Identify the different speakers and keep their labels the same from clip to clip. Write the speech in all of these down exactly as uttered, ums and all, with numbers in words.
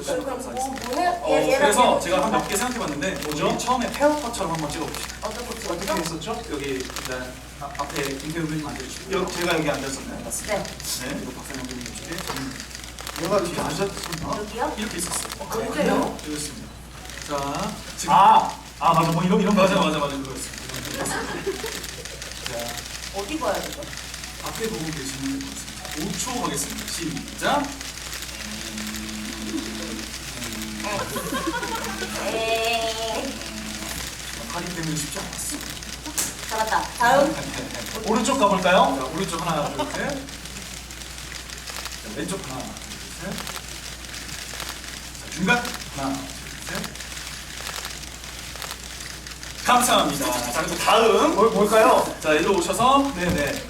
Speaker 1: 보시면
Speaker 2: 그럼 뭐,
Speaker 1: 감사하겠습니다.
Speaker 2: 뭐 해요?
Speaker 1: 어,
Speaker 2: 얘, 얘랑
Speaker 1: 그래서
Speaker 2: 얘랑
Speaker 1: 제가 한 몇 개 생각해봤는데 뭐죠? 처음에 페어컷처럼 한번 찍어봅시다.
Speaker 2: 어떤 거
Speaker 1: 어떻게
Speaker 2: 찍었죠?
Speaker 1: 했었죠? 여기 일단 아, 앞에 김태우 교수님 앉아주시고 여, 제가 여기 앉았었나요? 맞습니다.
Speaker 2: 네.
Speaker 1: 네, 그리고 박상영 교수님 쪽에 저는
Speaker 3: 내가 이렇게 앉았었나?
Speaker 2: 여기요?
Speaker 1: 이렇게 있었어요.
Speaker 2: 언제요?
Speaker 1: 이렇습니다. 자, 지금
Speaker 3: 아, 아 맞아 뭐 이런 이런
Speaker 1: 맞아
Speaker 3: 거죠?
Speaker 1: 맞아 맞아 그거였습니다. 자,
Speaker 2: 어디 봐야 되죠?
Speaker 1: 앞에 보고 계시면 될 것 같습니다. 오 초 가겠습니다. 시작.
Speaker 2: 에이,
Speaker 1: 파리 때문에 쉽지 않았어.
Speaker 2: 잡았다. 다음.
Speaker 3: 오른쪽 가볼까요?
Speaker 1: 자, 오른쪽 하나, 둘, 셋. 자, 왼쪽 하나, 둘, 셋. 자, 중간 하나, 둘, 셋. 감사합니다. 자, 그리고 다음.
Speaker 3: 뭘 뭘까요?
Speaker 1: 자, 일로 오셔서, 네네.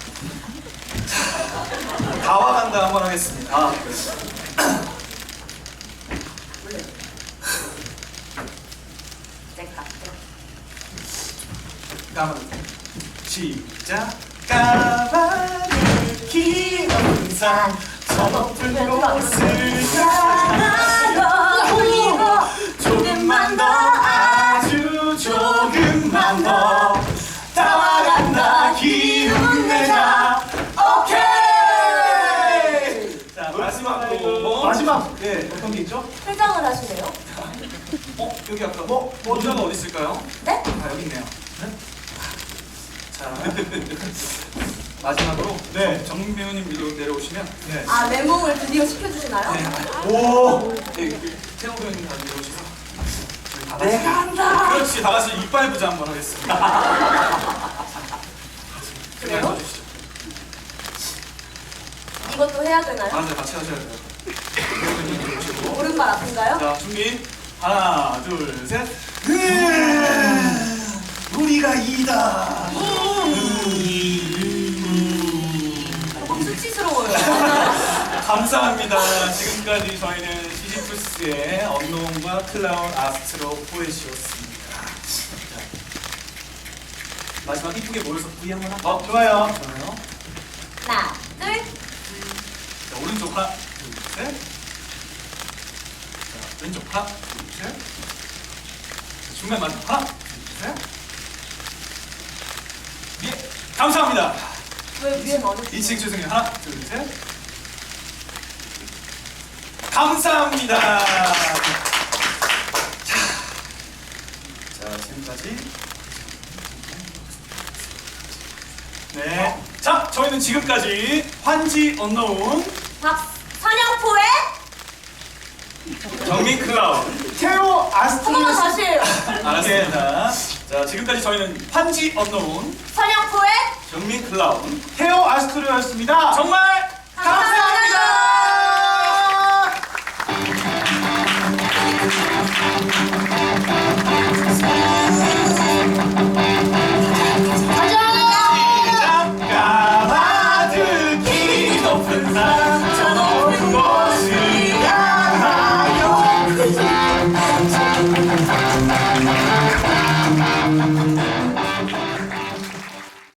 Speaker 1: 자, 다와간다 한번 하겠습니다.
Speaker 2: 땡까.
Speaker 1: 까만 시작. 까마귀 기운상 저 높은 곳을 향하여 조금만 더 아주 조금만 더 다와간다 기운 내자. 오케이. 자, 마지막으로
Speaker 3: 마지막
Speaker 1: 네.
Speaker 3: 어떤 게 있죠?
Speaker 2: 회장을 하시네요.
Speaker 1: 어, 여기 아까 뭐 모자가 어디 있을까요?
Speaker 2: 네?
Speaker 1: 아, 여기 있네요. 자, 마지막으로
Speaker 3: 네.
Speaker 1: 정민 배우님 위로 내려오시면
Speaker 3: 네.
Speaker 2: 아, 메모를 드디어 시켜주시나요?
Speaker 1: 네.
Speaker 3: 오.
Speaker 1: 네, 태호 배우님 다 내려오셔서 저희 다 같이
Speaker 2: 내가 한다.
Speaker 1: 그렇지, 다 같이 이빨 부자 한번 하겠습니다.
Speaker 2: 그래요?
Speaker 1: 이빨 주시죠.
Speaker 2: 이것도 해야 되나요?
Speaker 1: 맞아요, 같이 하셔야 돼요. 태호 배우님 내려오시고.
Speaker 2: 오른발 아픈가요?
Speaker 1: 자, 준비. 하나, 둘, 셋. 으아, 우리가 이다.
Speaker 2: 조금 수치스러워요.
Speaker 1: 감사합니다. 지금까지 저희는 시지프스의 언노운과 클라운 아스트로 포에시였습니다. 마지막 이쁘게 모여서 V 한번 할까요?
Speaker 3: 어 좋아요.
Speaker 1: 좋아요.
Speaker 2: 하나, 둘.
Speaker 1: 자, 오른쪽 하나, 둘, 셋. 자, 왼쪽 하나, 둘, 셋. 자, 중간 마지막 하나, 둘, 셋. 예, 감사합니다.
Speaker 2: 왜 위에 넣어주
Speaker 1: 이 층 죄송해요. 하나, 둘, 셋. 감사합니다. 자, 자 지금까지. 네. 자, 저희는 지금까지 환지 언노운
Speaker 2: 박선영포의
Speaker 1: 정민 클라운.
Speaker 3: 태호
Speaker 2: 한 번만
Speaker 3: 아스트로스.
Speaker 2: 다시 해요.
Speaker 1: 알았습니다. 자, 지금까지 저희는 환지 언노운
Speaker 2: 선영포의
Speaker 1: 정민 클라운.
Speaker 3: 태호 아스트로였습니다.
Speaker 1: 정말 감사합니다.